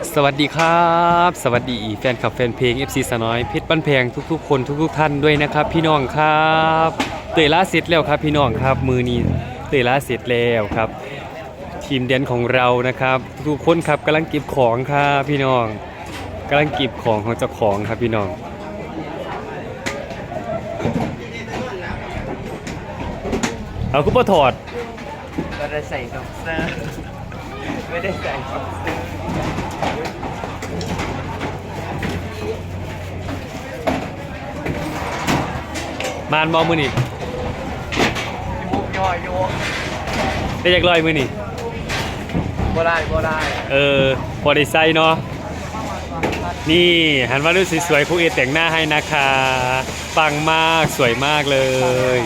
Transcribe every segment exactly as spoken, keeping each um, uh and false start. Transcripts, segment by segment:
สวัสดีครับสวัสดีแฟนคลับแฟนเพลง เอฟ ซี สาวน้อยเพชรบ้านแพงทุกๆคนทุกๆท่านด้วยนะครับพี่น้องครับเตยล่าเสร็จแล้วครับพี่น้องครับมือนี้เตยล่าเสร็จแล้วครับทีมแดนของเรานะครับทุกคนครับกำลังเก็บของครับพี่น้องกำลังเก็บของของเจ้าของครับพี่น้องเอาคุปเปอร์ถอดไม่ได้ใส่บ็อกเซอร์ไม่ได้ใส่บ็อกเซอร์มานบอมือนี่มุกย่อยโยกได้อยากลอยมือนี่บ่ได้บ่ได้เออพอได้ใส่เนาะนี่หันมาดูสวยๆครูเอแต่งหน้าให้นะคะปังมากสวยมากเลย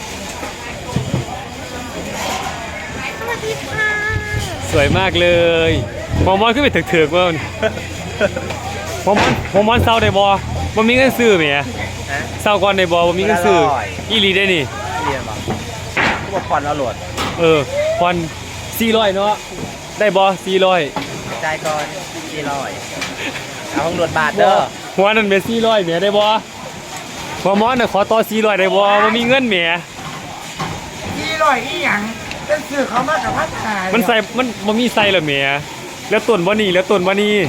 สวยมากเลยหมอมอนขึ้นไปถึกๆว่าหมอมอนหมอมอนเศร้าได้บ่บ่มีเงินซื้อแหมฮะเศร้าก่อนได้บ่บ่มีเงินซื้ออีหลีได้นี่เรียนบ่ก็บอกผ่อนเอาโหลดเออผ่อนสี่ร้อยเนาะได้บ่สี่ร้อยจ่ายก่อนสี่ร้อยเอาของโหลดบาทเด้อหัวนั่นเป็นสี่ร้อยแหมได้บ่หมอมอนน่ะขอต่อสี่ร้อยได้บ่บ่มีเงินแหมสี่ร้อยอีหยังเป็นสื่อเขามากับพัดขายมันใส่มันมันมีใส่เหรอเมียแล้วต้นบ่นี่แล้วต้นบ่นี่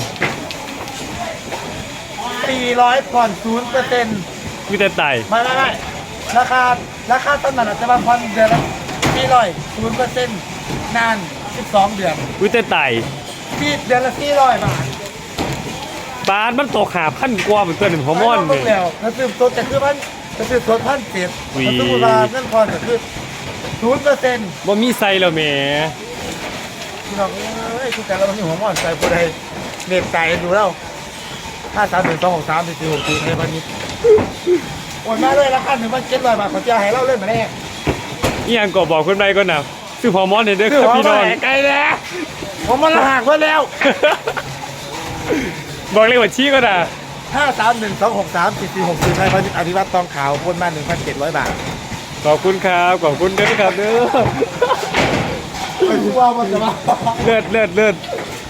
สี่ร้อยผ่อนศูนย์เปอร์เซ็นต์มีแต่ไตไม่ไม่ไม่ราคาราคาต้นนั้นอาจจะมาผ่อนเดือนละสี่ร้อยศูนย์เปอร์เซ็นต์นานสิบสองเดือนมีแต่ไตที่เดือนละสี่ร้อยบาทปานมันตกหาพันกว่าเหมือนตัวหนึ่งฮอร์โมนไม่เนี่ต้ยองแล้วซื้อตัวแต่คือมันจะซื้อตัวพันเจ็ดอุ้ยแล้วซื้อมาเงินผ่อนก็คือศูนย์เปอร์เซ็นต์บ่มีใส่เหรอเมียพี่น้องเอ้ยทุกแต่เราต้องมีหัวหมอนใส่ผู้ใดเน็บไก่ดูแล้วห้าสามหนึ่งสองหกสามสี่สี่หกสี่ในวันนี้โอนมาเลยละกันหนึ่งพันเจ็ดร้อยบาทขอจะให้เล่าเล่นมาแน่อีหยังก็บอกคนใดก่อนนะซื้อฮอร์โมนเนี่ยเด้อครับพี่น้องไกลแล้วผมมันหักไว้แล้วบอกเลยว่าชี้ก็นะห้าสามหนึ่งสองหกสามสี่สี่หกสี่ในพันอธิวัตรทองขาวพ้นมาหนึ่งพันเจ็ดร้อยบาทขอบคุณครับขอบคุณเด้อครับเด้อไม่รู้ว่ามันจะมาเลิศเลิศเลิศ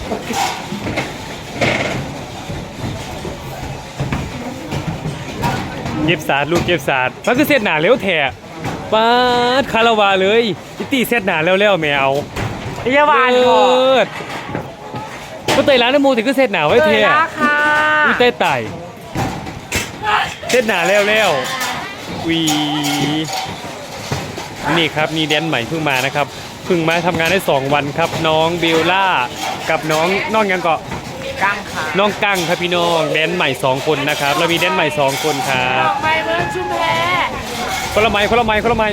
เก็บศาสตร์ลูกเก็บศาสตร์มันคือเสร็จหนาเร็วแท้ปาดคาราวาเลยพิตตี้เสร็จหนาแล้วแล้วแมวพยาบาลเลิก่อนศก็เตยร้านน้ำมูถึงก็เสร็จหนาไว้เตเท่ยละค่ะอุ้ยเตยไต่เสร็จหนาแล้วแล้ววีนี่ครับมีแดนใหม่เพิ่งมานะครับเพิ่งมาทำงานได้สองวันครับน้องเบลล่ากับน้องน้องยังเกาะกังค่ะน้องกั้งครับพี่น้องแดนใหม่สองคนนะครับเรามีแดนใหม่สองคนครับดอกไม้เมืองชุมแพคนละไม้คนละไม้คนละไม้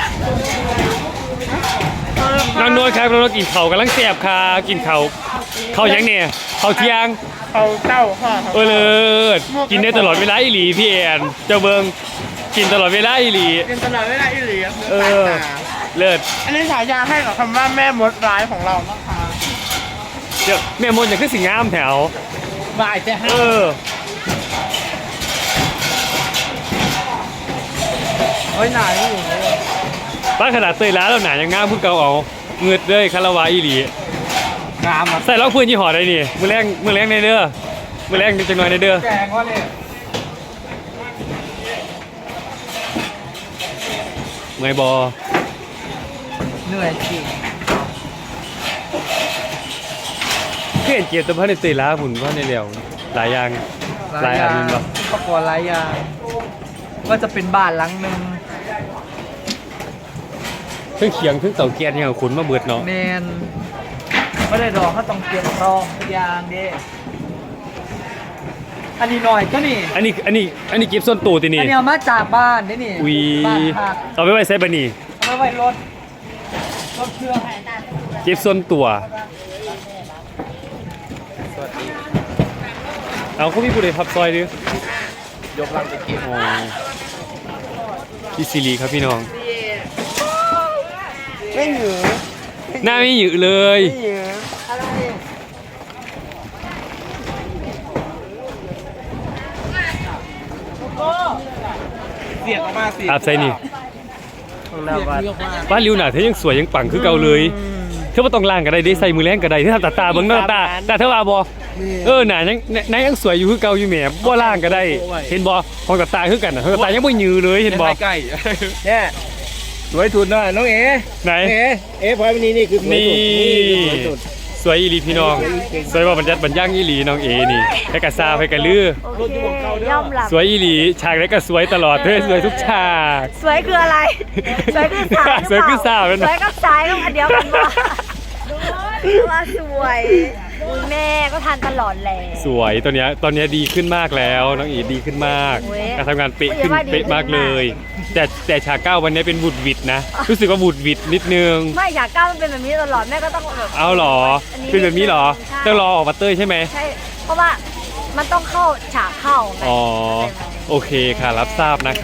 น้องนวลครับน้องนวลกินเข่าวกำลังแสบค่ะกินเข่าวเข้าวยังเนี่ยเข้าวเที่ยงเอาเต้าค่ะเออเลิศกินได้ตลอดเวลาอีหลีพี่แอนเจ้าเบิงกินตลอดเวลาอีหลีเป็นตลอดเวลาอีหลีเออเลิศอันนี้ฉายาให้กับคำว่าแม่มดร้ายของเรานะคะเดี๋ยวแม่มนต์อย่างขึ้นสิงามแถวบ่ายจะให้เออเฮ้ยหนาอยู่เลยบ้านขนาดเตยล้าแล้วหนายังงามเพิ่งเกาเอาเงือดเลยคาราวาอีหลีงามอ่ะใส่ล็อกพื้นยี่ห้อใดนี่มือแรงมือแรงในเด้อมือแรงจังหน่อยในเด้อแกงว่าเนี่ยเมื่อยบอเหนื่อยจริงเพื่อนเกียรติพันในเตยล้าผุนว่าในเร็วหลายอย่างหลายอันบ่ประกอบหลายอย่างว่าจะเป็นบ้านหลังหนึ่งเครื่องเคียงเครื่องเต่าเกียร์เนี่ยขุนมาเบิดเนาะเมนไม่ได้ดอกเขาต้องเตรียมรองทุกอย่างเด้อันนี้หน่อยก็นี่อันนี้อันนี้อันนี้เก็บส่วนตัวตีนี่อันนี้เอามาจากบ้านนี่นี่วีบ้านพักเอาไปไว้ใส่บะนี่เอาไว้รถรถเครื่องเก็บส่วนตัวสวัสดีเอาเขามีผู้ใดพับซอยดิยกลังไปกินอ๋อพี่ซิลีครับพี่น้องไม่หยือหน้าไม่หยือเลยไม่หยืออะไรเสียงออกมาสิอาบใส่นี่ของเราบ้านบ้านริวหนาเธอยังสวยยังปังคือเก่าเลยเธอว่าต้องล่างก็ได้ได้ใส่มือแรงก็ได้ที่ทำตาตาเบิ้งหน้าตาตาเธอว่าบอเออหนายังหนายังสวยอยู่คือเก่าอยู่แหมบ่ล่างก็ได้ เห็นบ่ของกับตาคือกันน่ะของกับตายังบ่ยือเลยเห็นบ่ใกล้เนี่ยสวยสุดนะน้องเอ๋ไหนเอ๋เอ๋พอยนี่นี่คือสวยนี่สุดสวยอีหลีพี่น้อง สวยว่าบรรยัดบรรย่างอีหลีน้องเอนี่ให้กะซาให้กะลือโอเคย่อมหลับสวยอีหลีฉากไหนก็สวยตลอดเธอสวยทุกฉากสวยคืออะไร สวยคือสาวสวยคือสาวหเป็รือน เปล่าสวยกับสายก็อันเดียวกันว่าว่าสวยอุ๊ยแม่ก็ทานตลอดแหละสวยตัวเนี้ยตอนเนี้ยดีขึ้นมากแล้วน้องอีดีขึ้นมากโอ้ยการทำงานเป๊ะขึ้นโอ้ยว่าดีเป๊ะมากขึ้นเลมากย แต่แต่ฉากเก้าวันนี้เป็นบุดหวิดนะ รู้สึกว่าบุดหวิดนิดนึงไม่อยากก้าวมันเป็นแบบนี้ตลอดแม่ก็ต้องแบบเอาเหรออันนี้เป็นแบบนี้เหรอใช่ต้องรอออกมาเต้ยใช่ไหมใช่เพราะว่ามันต้องเข้าฉากเข้าไงอ๋อโอเคค่ะรับทราบนะคะ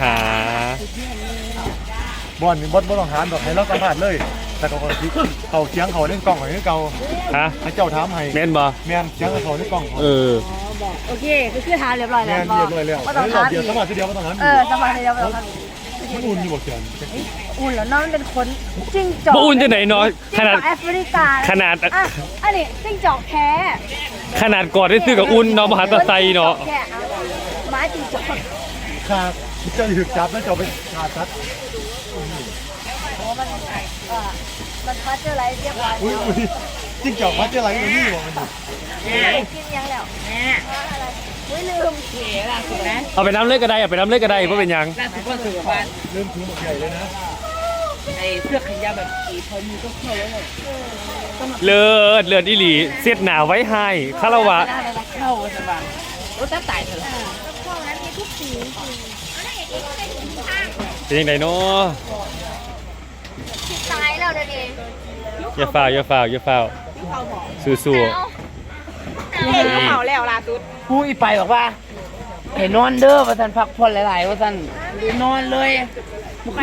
บอลนี่บอลบอลต้องหารดอกให้เราสัมผัสเลย แต่ก็คนที่เขาเคียงเขาเล่นกล้องเขาเล่นเก่าฮะให้เจ้าถามให้แม่นบ่แม่นเคียงเขาเล่นกล้องเออโอเคคือคือทานเรียบร้อยแล้แม่วนเรียบร้อยแล้วก็ต้องรอทาบนเดียวอีสกมัครทีเดียวก็ต้องนั้นเออสบายเลยเรียบร้อยมันอุ่นอยู่บ่เขียนอุ่นแล้วเน้องมันเป็นคนจิ้งจอกบ่อุ่นจะไหนเนาะขนาดจิ้งจอกแอฟริกาขนาดอ่ะอันนี้จิ้งจอกแท้ขนาดกอดได้ซื้อกับอุ่นเนาะมหาตะไซเนาะแค่เอาไม้จิ้งจอกขาดเจ้าถึกจับแล้วเจ้าไปขาดซัดเพราะว่ามันเอ่อมันพัชเจอร์ไรเรียบร้อยอุ้ยอุ้ยจิ้งจอกพัดเจ้าอะไรอยู่นี่บอกมันอยู่กินยังแล้วแม่อะไรอุ้ยลืมเขียล่ะถูกไหมเอาไปน้ำเลือดก็ได้เอาไปน้ำเลือดก็ได้เพราะเป็นหยังล่าสุดก็สุขภาพเริ่มถือหมวกใหญ่เลยนะไอ้เสื้อขายาวแบบสีพอมีก็เข้าแล้วเลยเลือดเลือดอีหลีเสียดหนาไว้ให้คารวะเข้าสบายรถจะตายเถอะเป็นยังไงเนาะตายแล้วเดี๋ยวนี้อย่าฝ่าวอย่าฝ่าวอย่าฝ่าวสู้เห็นเขาแล้วล่ะตุ๊ดผู้อีไปบอกว่าเห็นนอนเด้อว่าท่านพักผ่อนหลายๆว่าท่านนอนเลยไป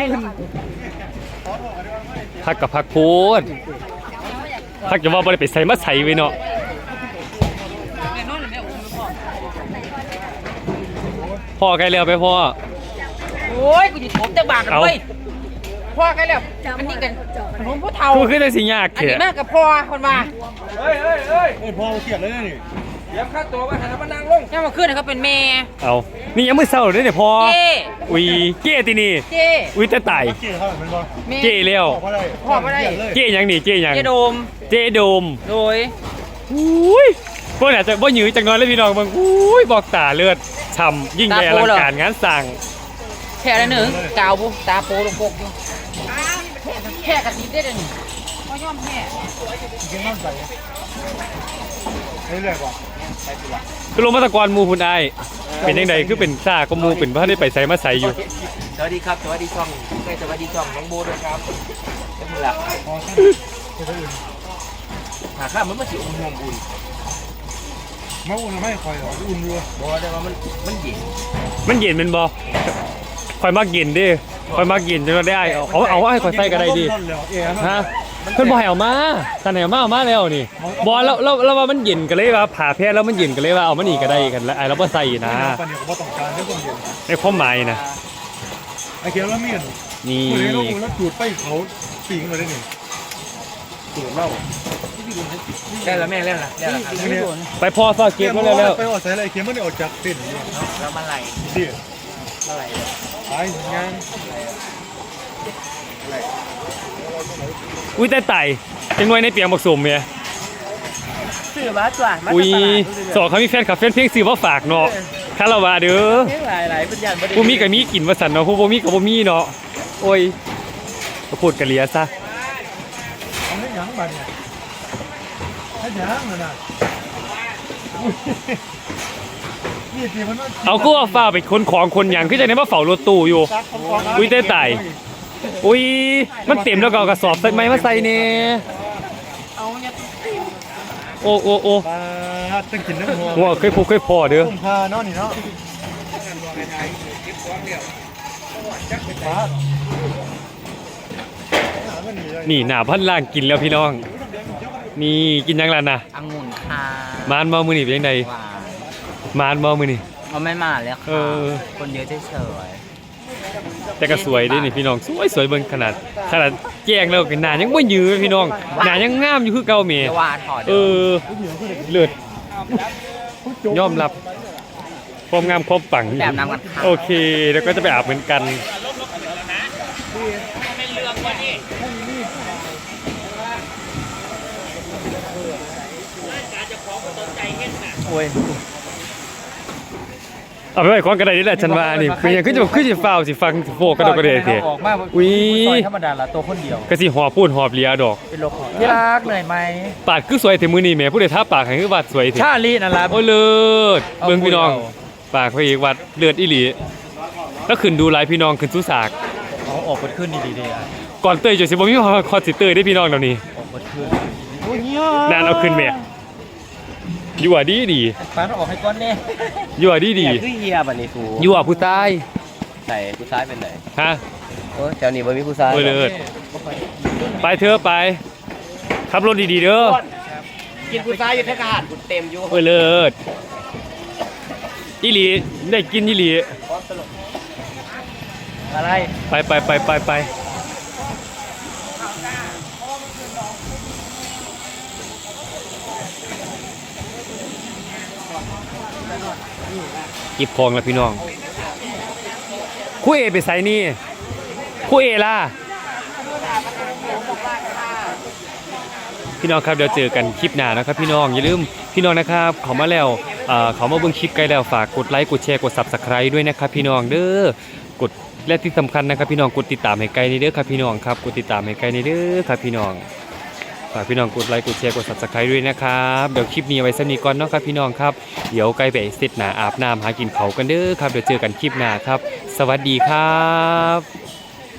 ๆพักกับพักโพดพักจะว่าบ่ได้ไปใส่มาใส่ไว้เนาะนอนเลยแม่อุ้มพ่อพ่อใกล้แล้วไปพ่อโอ้ยกูจะถมแต่บากกันเลยพ่อกันแล้วอันนี้กันผมผู้เฒ่ากูขึ้นได้สิยากอันเถนี้อะแม่กับพ่อคนมาเฮ้ยเฮ้ยเฮ้ยเอ้ยพ่อเขียนเลยนะนี่เดี๋ยวค่าตัวว่าหันมานั่งลงแค่มาขึ้นเขาเป็นเมย์เอานี่ยังมือเศร้าเลยเนี่ยพ่อเจ้อุ้ยเก้ตินี่เจ้อุ้ยแต่ตายเกี่ยวเขาเป็นบ่เมย์เก้แล้วพ่อได้พ่อบ่ได้เขียนเลยเก้ยังนี่เก้ยังเจ้โดมเจ้โดมโดยอุ้ยพวกเนี่ยจะบ่หยือจังน้อยเลยพี่น้องบางอุ้ยบอกตาเลือดช่ำยิ่งใหญ่อลังการงานสั่งแค่ละหนึ่งกาวบุตาโปลงปกอยู่แค่กระติบได้เลยพ่อย่อมแค่เขียนน้ำใสเรื่อยๆกว่าคือลงมาตะกอนหมูคุณไอายเป็นยังไงคือเป็นซ่าก็หมูเป็นพระได้ไปใส่มาใส่อยู่สวัสดีครับสวัสดีช่องใกล้สวัสดีช่องน้องโบด้วยครับเป็นหลักพอสั้นเขียนอื่นหาข้ามมันมาสิอุ่นห่วงอุ่นมาอุ่นไม่คอยหรอกอุ่นอยู่บอกได้ว่ามันมันเย็นมันเย็นเป็นบ่คอยมากเย็นดิคอยมากเย็นจนได้ไอ้เอาเอาเอาให้คอยใส่ก็ได้ดิ ฮะเพิ่นบ่ให้เอามาท่านให้เอามาเอามาแล้วนี่บ่แล้วแล้วแล้วว่ามันเย็นก็เลยว่าผ่าแพ้แล้วมันเย็นก็เลยว่าเอามันอีกก็ได้กันแล้วไอ้เราบ่ใส่นะตอนนี้เขาบ่ต้องการให้คนเย็นในความหมายนะไอ้เขียนแล้วเมียนนี่คนนี้เราอุ่นแล้วจูดไปเขาปิงเลยได้นี่จูดเหล้าได้แล้วแม่เล่นละได้แล้วครับเนี่ยไปพอซอเก็บมาแล้วแล้วไปออกใส่อะไรเขียนมันได้ออกจากเต้นอยู่แล้วมาไหลดิมาไหลไปงานอุ้ยแต่ไต่จังหน่วยในเปียงบักสมเมียซื้อมาจ้ะมาอุ้ยสองเขามีแฟนคลับแฟนเพลงซื้อมาฝากเนาะคาราวะเด้อหลายหลายเป็นยันบ่ได้ผู้มีก็มีกินว่าซั่นเนาะผู้บ่มีก็บ่มีเนาะโอ้ยก็พูดกะเหลียซะเอาให้หยังบัดเนี่ยให้หยังน่ะนะนี่ทีมันเอาก็ว่าฟ้าไปคนของคนหยังคือจังได๋มาเฝ้ารถตู้อยู่ อุ้ยแต่ไต่ อุ้ยมันเต็มแล้วก็เอากระสอบใส่ไม้มาใส่แน่เอาเนี่ยโอ้โอ้โอ้ปลาตั้งกินน้ำหัวหัวเคยพบเคยพอเด้อต้มพาเนาะนี่เนาะปลานี่หน้าพันล่างกินแล้วพี่น้อง นี่กินยังล่ะนะองุ่นค่ะมานบ่มื้อนี้เป็นจังไดหวานมานบ่มื้อนี้เอาไม่มาแล้วเอค่ะอคนเยอะเฉยแต่ก็สวยเด้นี่พี่น้องสวยสวยเบิ่งขนาดขนาดแจ้งแล้วก็หน้ายังบ่ยือพี่น้องหน้ายังงามอยู่คือเก่าแหม่ๆจะว่าถอดเออเลือดยอมรับความงามความปังแบบน้ำกันค่ะโอเคแล้วก็จะไปอาบเหมือนกันโอ้ยเอาไปไว้ของกระไดนี่แหละฉันว่านี่เป็นยังขึ้นจะขึ้นจะฟาวสิฟังสิโฟกกระโดดกระเดยเถอะออกมาอุ้ยธรรมดาละตัวคนเดียวกะสิหอบพูดหอบเลียดอกเป็นโลกที่รักเหนื่อยไหมปากคือสวยแต่มือนี่แหม่ผู้ใดท่าปากให้คือวัดสวยเถชาอะลีนั่นละโอ้ยเลิศเอาเบิ่งพี่น้องเอาปากพระเอกวัดเลือดอีหลีแล้วขึ้นดูหลายพี่น้องขึ้นสุสากเขาออกเปิดขึ้นดีๆเลยอ่ะก่อนเตยจะสิบ่มีคอสิเตยได้พี่น้องเดี๋ยวนี้ออกเปิดขึ้นโอ้ยเนี่ยนานเอาขึ้นแม่อยู่อ่ะดีดีฟ้าต้องออกให้ก้อนเนี่ยอยู่อ่ะดีดีคือเฮียบัดนี้สูอยู่อ่ะผู้ใต้ใส่ผู้ชายเป็นไหนฮะโอ้แถวนี้บ่มีผู้ชายโอ้ยเลิศไปเถอะไปขับรถดีๆเด้อกินผู้ชายอยู่เทศกาลกูเต็มอยู่โอ้ยเลิศอีหลีได้กินอีหลีอะไรไปไปไปไปไปเก็บของแล้วพี่น้องคู่เอไปใส่นี่คู่เอล่ะพี่น้องครับเดี๋ยวเจอกันคลิปหน้านะครับพี่น้องอย่าลืมพี่น้องนะครับเขามาแล้วเอ่อเขามาเบิ่งคลิปไกลแล้วฝากกดไลค์กดแชร์กด ซับสไครบ์ ด้วยนะครับพี่น้องเด้อกดและที่สำคัญนะครับพี่น้องกดติดตามให้ไกลในเด้อครับพี่น้องครับกดติดตามให้ไกลในเด้อครับพี่น้องฝากพี่น้องกดไลค์กดแชร์กด ซับสไครบ์ ด้วยนะครับเดี๋ยวคลิปนี้เอาไว้สำนี้ก่อนเนาะครับพี่น้องครับเดี๋ยวไกลไปเสร็จหน้าอาบน้ำหากินเขาวกันเด้อครับเดี๋ยวเจอกันคลิปหน้าครับสวัสดีครับ